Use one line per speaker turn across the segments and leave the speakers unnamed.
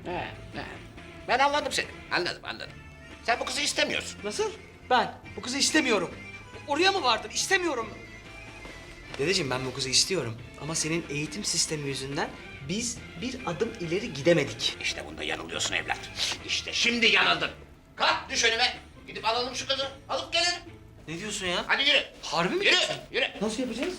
He, he. Ben anladım seni. Anladım. Sen bu kızı istemiyorsun.
Nasıl? Ben bu kızı istemiyorum. Oraya mı vardım? İstemiyorum. Dedeciğim ben bu kızı istiyorum. Ama senin eğitim sistemi yüzünden biz bir adım ileri gidemedik.
İşte bunda yanılıyorsun evlat. İşte şimdi yanıldın. Kalk düş önüme. Gidip alalım şu kızı. Alıp gelelim.
Ne diyorsun ya?
Hadi yürü.
Harbi mi
Yürü.
diyorsun?
Yürü.
Nasıl yapacağız?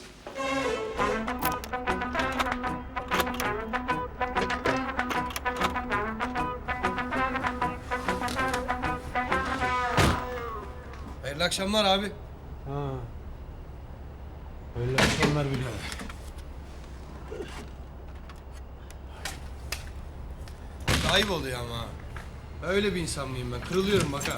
Hayırlı akşamlar abi.
Ha. Öyle akşamlar birader.
Ayıp oluyor ama. Öyle bir insan mıyım ben? Kırılıyorum bak ha.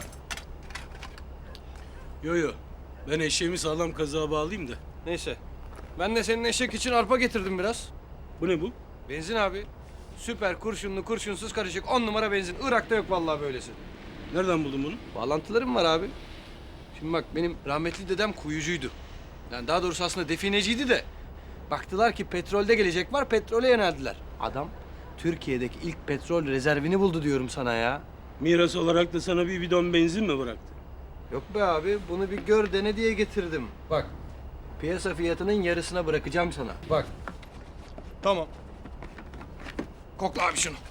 Yo. Ben eşeğimi sağlam kazığa bağlayayım da.
Neyse. Ben de senin eşek için arpa getirdim biraz.
Bu ne bu?
Benzin abi. Süper kurşunlu kurşunsuz karışık 10 numara benzin. Irak'ta yok vallahi böylesi.
Nereden buldun bunu?
Bağlantılarım var abi. Şimdi bak benim rahmetli dedem kuyucuydu. Yani daha doğrusu aslında defineciydi de. Baktılar ki petrolde gelecek var, petrole yöneldiler. Adam Türkiye'deki ilk petrol rezervini buldu diyorum sana ya.
Miras olarak da sana bir bidon benzin mi bıraktı?
Yok be abi, bunu bir gör dene diye getirdim. Bak, piyasa fiyatının yarısına bırakacağım sana. Bak. Tamam. Kokla abi şunu.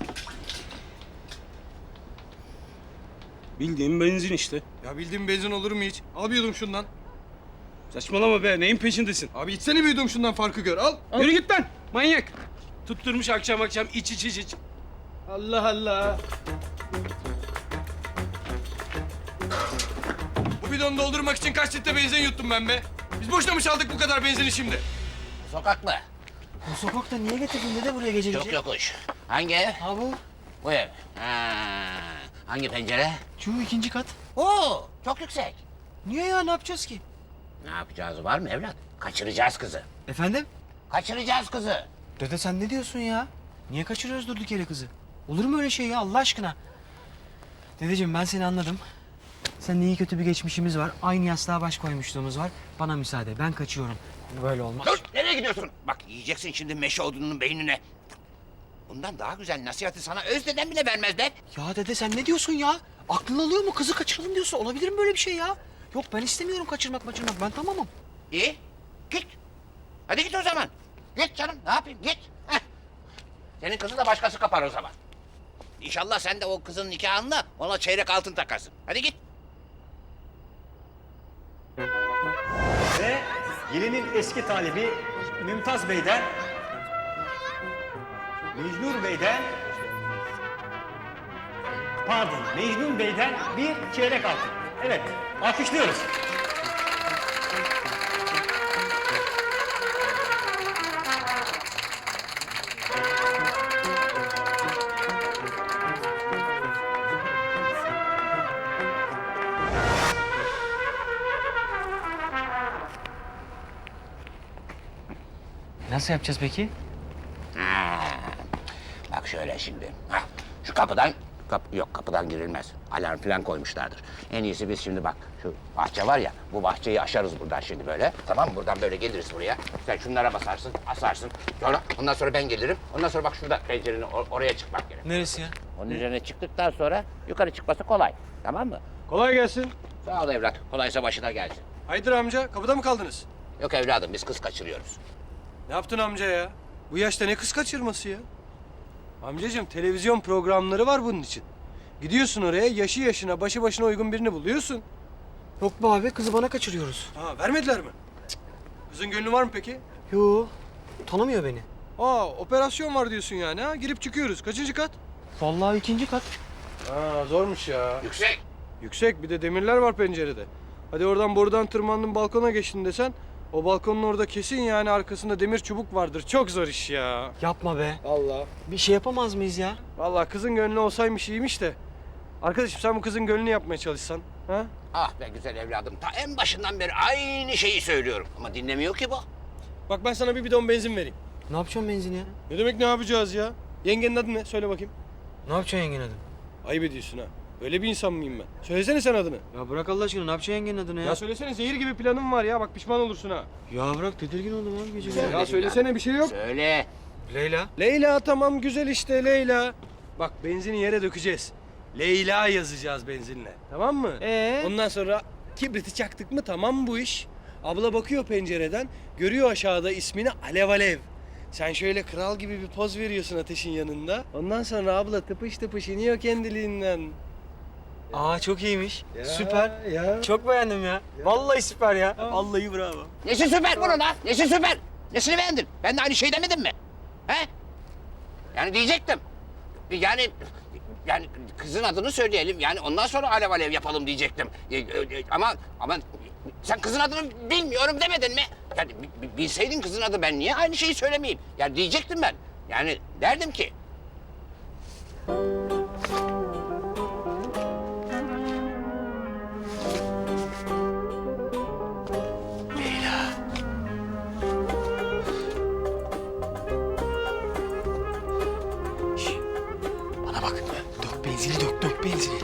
Bildiğin benzin işte.
Ya bildiğin benzin olur mu hiç? Al bir yudum şundan.
Saçmalama be, neyin peşindesin?
Abi içsene bir yudum şundan, farkı gör. Al.
Yürü git lan, manyak. Tutturmuş akşam iç. Allah Allah.
Bu bidonu doldurmak için kaç litre benzin yuttum ben be? Biz boşuna mı çaldık bu kadar benzini şimdi?
Sokaklı.
Bu sokakta niye getirdin dede buraya gece gece?
Çok yokuş. Hangi ev?
Ha bu.
Bu ev. Ha. Hangi pencere?
Şu ikinci kat.
Oo, çok yüksek.
Niye ya? Ne yapacağız ki?
Ne yapacağız var mı evlat? Kaçıracağız kızı.
Efendim?
Kaçıracağız kızı.
Dede sen ne diyorsun ya? Niye kaçırıyoruz durduk yere kızı? Olur mu öyle şey ya Allah aşkına? Dedeciğim ben seni anladım. Senin iyi kötü bir geçmişimiz var. Aynı yastığa baş koymuşluğumuz var. Bana müsaade ben kaçıyorum. Böyle olmaz.
Dur, nereye gidiyorsun? Bak yiyeceksin şimdi meşe odununun beynine. Bundan daha güzel nasihati sana özdeden bile vermezler.
Ya dede sen ne diyorsun ya? Aklın alıyor mu? Kızı kaçıralım diyorsun. Olabilir mi böyle bir şey ya? Yok ben istemiyorum kaçırmak. Ben tamamım.
İyi, git. Hadi git o zaman. Git canım, ne yapayım, git. Heh. Senin kızı da başkası kapar o zaman. İnşallah sen de o kızın nikahında ona çeyrek altın takarsın. Hadi git.
Ve gelinin eski talibi Mümtaz Bey'den, Mecnun Bey'den bir çeyrek altın. Evet, alkışlıyoruz.
Nasıl yapacağız peki?
Ha. Bak şöyle şimdi. Hah. Şu kapıdan girilmez. Alarm falan koymuşlardır. En iyisi biz şimdi bak şu bahçe var ya, bu bahçeyi aşarız buradan şimdi böyle. Tamam mı? Buradan böyle geliriz buraya. Sen şunlara basarsın, asarsın. Sonra ondan sonra ben gelirim. Ondan sonra bak şurada pencerenin oraya çıkmak gerek.
Neresi ya?
Onun üzerine çıktıktan sonra yukarı çıkması kolay. Tamam mı?
Kolay gelsin.
Sağ ol evlat. Kolaysa başına gelsin.
Haydır amca, kapıda mı kaldınız?
Yok evladım biz kız kaçırıyoruz.
Ne yaptın amca ya? Bu yaşta ne kız kaçırması ya? Amcacığım televizyon programları var bunun için. Gidiyorsun oraya, yaşı yaşına, başı başına uygun birini buluyorsun.
Yok be abi kızı bana kaçırıyoruz.
Ha, vermediler mi? Kızın gönlü var mı peki?
Yo tanımıyor beni.
Aa, operasyon var diyorsun yani ha? Girip çıkıyoruz. Kaçıncı kat?
Vallahi ikinci kat.
Aa, zormuş ya.
Yüksek.
Yüksek, bir de demirler var pencerede. Hadi oradan borudan tırmandın balkona geçtin desen... O balkonun orada kesin yani arkasında demir çubuk vardır. Çok zor iş ya.
Yapma be.
Allah.
Bir şey yapamaz mıyız ya?
Vallahi kızın gönlü olsaymış iyiymiş de. Arkadaşım sen bu kızın gönlünü yapmaya çalışsan. Ha?
Ah be güzel evladım. Ta en başından beri aynı şeyi söylüyorum. Ama dinlemiyor ki bu.
Bak ben sana bir bidon benzin vereyim.
Ne yapacağım benzini ya?
Ne demek ne yapacağız ya? Yengenin adı ne? Söyle bakayım.
Ne yapacaksın yengenin adını?
Ayıp ediyorsun ha. Öyle bir insan mıyım ben? Söylesene sen adını.
Ya bırak Allah aşkına ne yapacaksın yengenin adını ya?
Ya söylesene, zehir gibi planım var ya. Bak pişman olursun ha.
Ya bırak tedirgin oldum abi gece.
Ya söylesene, bir şey yok.
Söyle.
Leyla.
Leyla, tamam güzel işte Leyla. Bak benzini yere dökeceğiz. Leyla yazacağız benzinle. Tamam mı? Ondan sonra kibriti çaktık mı tamam bu iş. Abla bakıyor pencereden. Görüyor aşağıda ismini Alev Alev. Sen şöyle kral gibi bir poz veriyorsun ateşin yanında. Ondan sonra abla tıpış tıpış iniyor kendiliğinden.
Aa çok iyiymiş.
Ya,
Süper.
ya.
Çok beğendim ya. Vallahi süper ya. Vallahi bravo.
Nesi süper bunun ha? Nesi süper? Nesini beğendin? Ben de aynı şey demedim mi? He? Yani diyecektim. Yani kızın adını söyleyelim. Yani ondan sonra alev alev yapalım diyecektim. Ama sen kızın adını bilmiyorum demedin mi? Yani bilseydin kızın adı ben niye aynı şeyi söylemeyeyim? Yani diyecektim ben. Yani derdim ki.
Bana bak. Dök benzini dök benzini.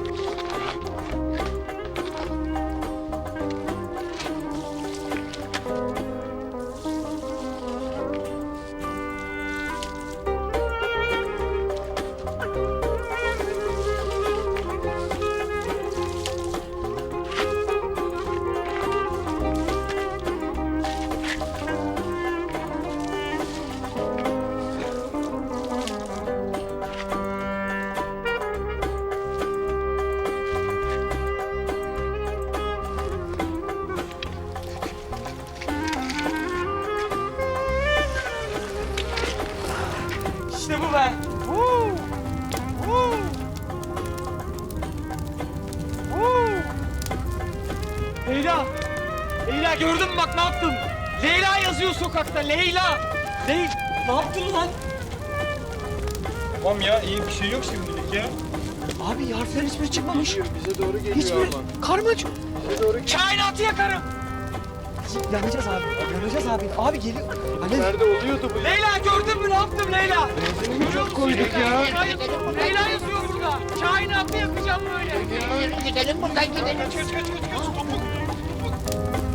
İşte bu be. Leyla. Leyla gördün mü bak ne yaptım? Leyla yazıyor sokakta Leyla. Ne yaptın lan?
Tamam ya iyi bir şey yok şimdilik ya.
Abi harflerin hiçbiri çıkmamış.
Bize doğru geliyor
Hiçbiri. Karmaç.
Bize doğru
Kainatı yakarım. Yanacağız abi. Yanacağız abi. Abi geliyor. Hani...
Nerede oluyordu bu?
Leyla gördün mü ne yaptım Leyla?
Benzinimi çok koyduk ya.
Leyla yazıyor burada. Kainatı yakacağım böyle.
Gidelim buradan gidelim.
Kaç.